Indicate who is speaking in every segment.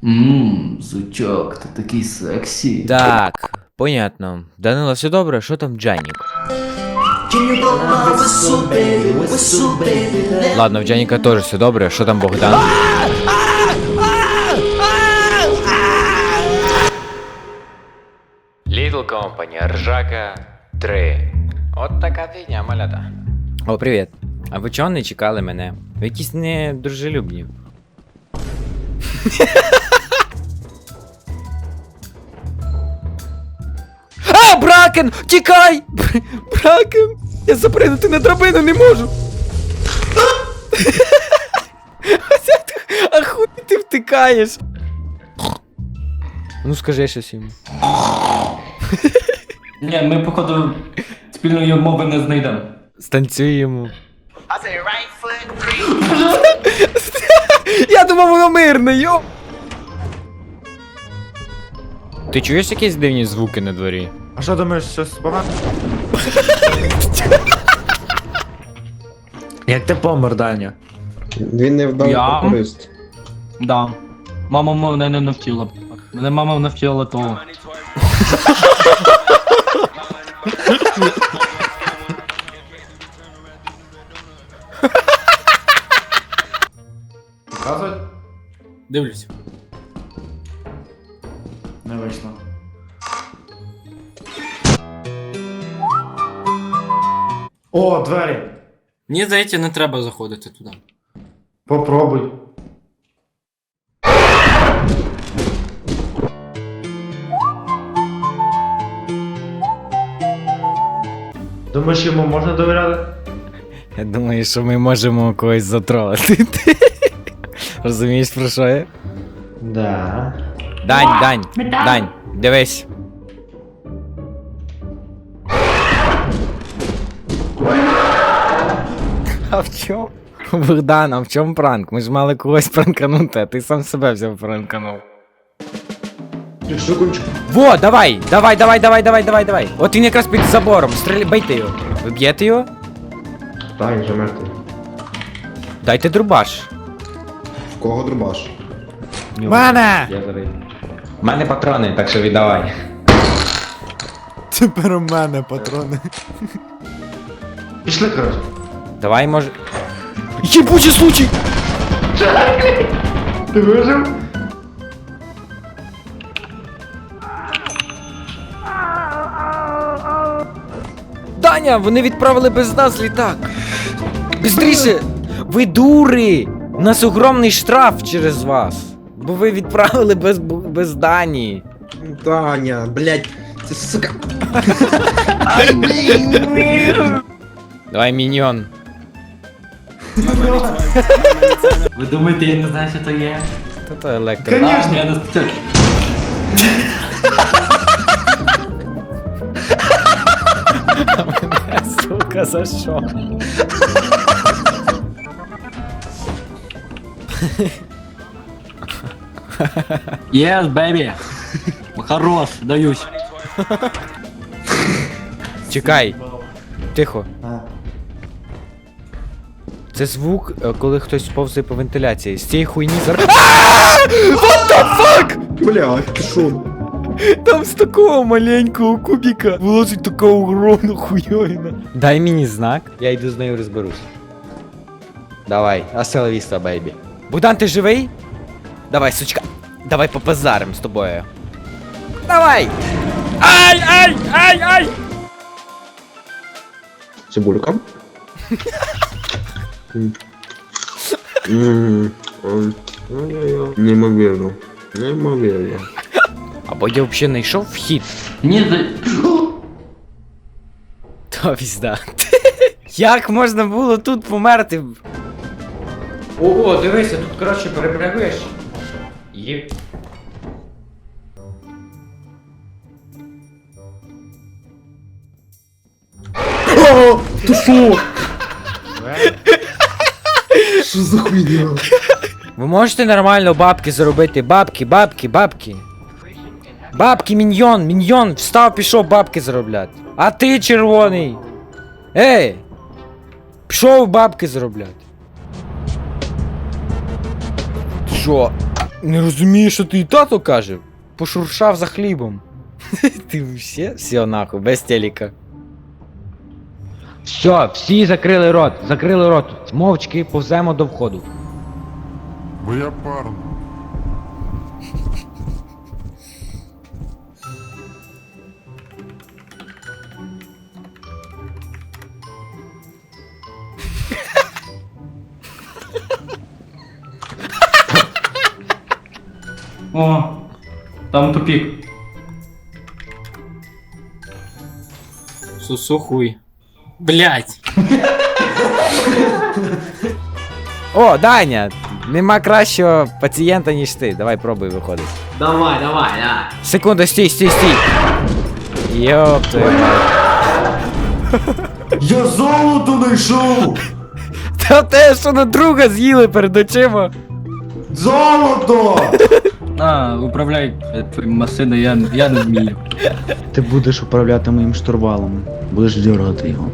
Speaker 1: Сучок, ти такий сексі.
Speaker 2: Так, понятно. Данило, все добре? Що там Джанік? Ладно, в Джаніка теж все добре. Що там Богдан? Little Company, Ржака 3. От така фігня, малята. О, привіт. А ви чого не чекали мене? Ви якісь недружелюбні. А, Бракен! Тікай! Бракен! Я запригнути на драбину не можу! А хуй ти втикаєш? Ну скажи щось йому.
Speaker 1: Ні, ми, походу, спільної мови не знайдемо.
Speaker 2: Станцюй йому. Я думав, воно мирне, йо! Ти чуєш якісь дивні звуки на дворі?
Speaker 3: А що думаєш, щось погано? Як ти помер, Даня?
Speaker 4: Він не вдав
Speaker 1: Я?
Speaker 4: користь.
Speaker 1: Да. Мама мене не навчила. Мене мама навчила того. Показують? Дивлюсь. Не вийшло.
Speaker 3: О, двері!
Speaker 1: Мені здається, не треба заходити туди.
Speaker 3: Попробуй. Думаєш, йому можна довіряти?
Speaker 2: Я думаю, що ми можемо когось затролити. Розумієш, про що я?
Speaker 3: Да.
Speaker 2: Дань, дивись. А в чому? Богдан, а в чому пранк? Ми ж мали когось пранканути, а ти сам себе взяв пранканув.
Speaker 4: Секундочку.
Speaker 2: Во, давай! От він якраз під забором, бейте його. Ви б'єте його?
Speaker 4: Так, він вже мертвий.
Speaker 2: Дайте друбаш.
Speaker 4: В кого дробаш?
Speaker 2: Мене!
Speaker 4: Я зараз.
Speaker 5: У мене патрони, так що віддавай.
Speaker 3: Тепер у мене патрони.
Speaker 4: Пішли, коротше.
Speaker 2: Давай, може... Єбучий случай!
Speaker 4: Ти вижив?
Speaker 2: Даня, вони відправили без нас літак. Бистріше! Ви дури! У нас огромний штраф через вас. Бо ви відправили без Дані.
Speaker 4: Таня, блядь, це сука.
Speaker 2: Давай, міньйон.
Speaker 1: Ви думаєте, я не знаю, що то є?
Speaker 2: То електро.
Speaker 1: Конечно, я не спеціально.
Speaker 2: Сука, за що?
Speaker 1: Yes, baby. Хорош, даюсь.
Speaker 2: Чекай. Тихо. Це звук, коли хтось повзає по вентиляції. З цієї хуйні зараз. What the fuck?
Speaker 4: Блядь, ти шо?
Speaker 2: Там з такого маленького кубіка вилазить така огромна хуйовина. Дай мені знак, я йду з нею розберусь. Давай, аселавіста, бейбі. Богдан, ти живий? Давай, сучка. Давай попозарим з тобою. Давай! Ай!
Speaker 4: Цибулька. Неймовірно. Неймовірно.
Speaker 2: Або я взагалі не йшов вхід.
Speaker 1: Ні,
Speaker 2: То пізда. Як можна було тут померти? Ого, дивися, тут коротше перепрягуєш. Є.
Speaker 4: О, ти шо? Що за хуйня?
Speaker 2: Ви можете нормально бабки заробити? Бабки. Бабки, міньйон, встав, пішов бабки заробляти. А ти, червоний. Ей! Пішов бабки заробляти. Що? Не розумію, що ти і тато каже. Пошуршав за хлібом. Ти все нахуй, без телека. Все, всі закрили рот. Мовчки повземо до входу.
Speaker 6: Моя парна.
Speaker 1: О, там тупик.
Speaker 7: Сусухуй. Блять.
Speaker 2: О, Даня! Нема кращого пацієнта, ніж ти. Давай пробуй виходить.
Speaker 7: Давай.
Speaker 2: Секунду, стій. Йоп твою мать.
Speaker 3: Я золото знайшов!
Speaker 2: Та те, що на друга з'їли перед очима.
Speaker 3: Золото!
Speaker 1: На, управляй твоїм машиною, я не вмію.
Speaker 8: Ти будеш управляти моїм штурвалом. Будеш дергати його.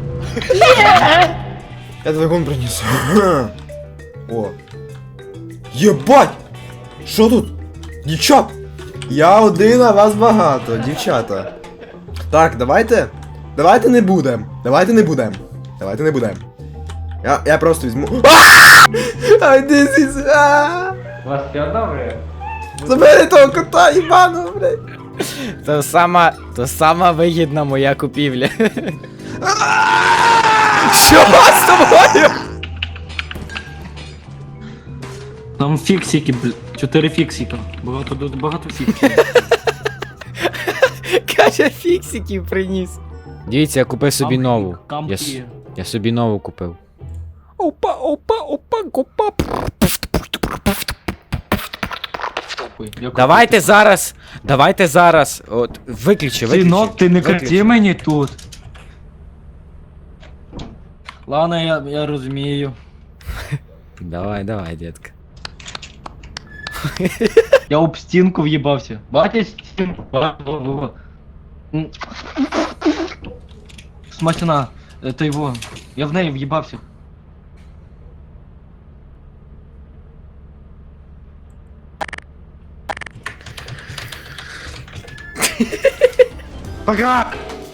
Speaker 3: Я двигун приніс. О. Єбать! Що тут? Дівчат! Я один, а вас багато, дівчата. Так, давайте не будем. Я просто візьму. Ай, this is...
Speaker 2: У вас все добре?
Speaker 3: Забери того кота, їбаного, блядь.
Speaker 2: То сама вигідна моя купівля. Що з тобою?
Speaker 1: Там фіксики, 4 фіксика. Багато фіксиків.
Speaker 2: Каже, фіксиків приніс. Дивіться, я купив собі нову.
Speaker 1: Кампі.
Speaker 2: Я собі нову купив. Опа. Давайте зараз. От, виключи.
Speaker 1: Синок, ти не
Speaker 2: Виключи.
Speaker 1: кричи мені тут. Ладно, я розумію.
Speaker 2: Давай, детка.
Speaker 1: Я об стінку в'їбався. Бачиш стінку? Во. Смачна. Та його. Я в неї в'їбався.
Speaker 3: Пока!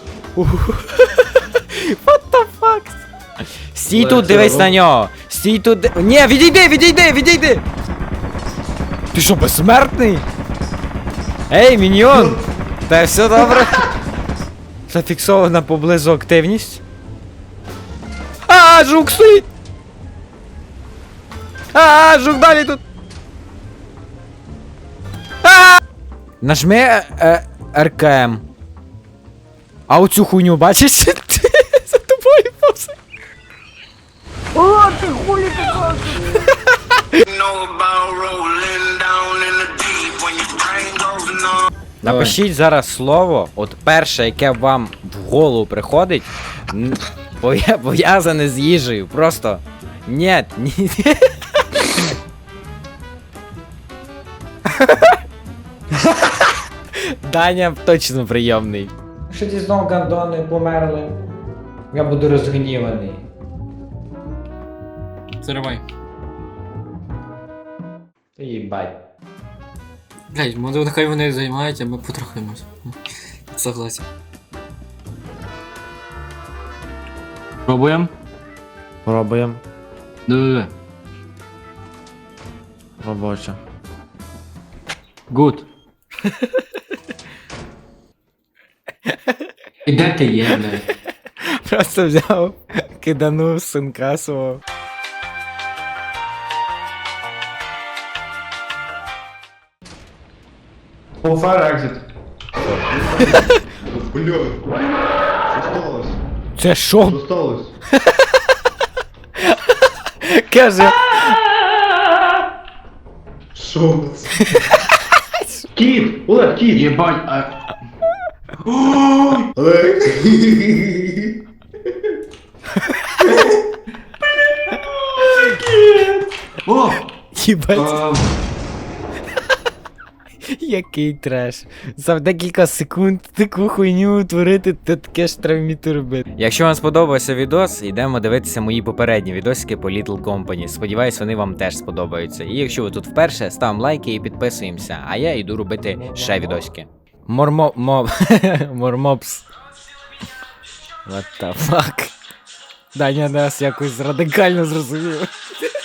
Speaker 2: What the fuck? Стій тут, дивись на нього. Стій тут. Ні, відійди! Ти що, безсмертний? Ей, міньйон! Та все добре? Зафіксована поблизу активність. Жук стоїть! Жук далі тут! Нажми РКМ. А оцю хуйню бачиш? За тобою повзе. Напишіть зараз слово, от перше, яке вам в голову приходить, пов'язане з їжею. Просто ні. Даня точно прийомний.
Speaker 5: Якщо ті знову гандони померли, я буду розгніваний.
Speaker 7: Заривай.
Speaker 5: Та їбать.
Speaker 7: Блять, може нехай вони займаються, а ми потрохимось. Согласен.
Speaker 1: Пробуємо?
Speaker 8: Пробуємо.
Speaker 1: Диви.
Speaker 8: Робоче.
Speaker 1: Гуд. І де ти є, блядь?
Speaker 2: Просто взяв, киданув синка свого.
Speaker 3: Fire exit. Блядь. Що сталося?
Speaker 2: Це що?
Speaker 3: Що сталося?
Speaker 2: Каже.
Speaker 3: Що? Кіт! Олег, кіт!
Speaker 1: Єбать, а...
Speaker 3: Олег!
Speaker 1: О!
Speaker 2: Їбать. Який треш. За декілька секунд таку хуйню творити, то таке ж треба вміти робити. Якщо вам сподобався відос, йдемо дивитися мої попередні відосики по Little Company. Сподіваюсь, вони вам теж сподобаються. І якщо ви тут вперше, ставимо лайки і підписуємося. А я йду робити ще відосики. Мормопс. What the fuck? Даня нас якось радикально зрозумів.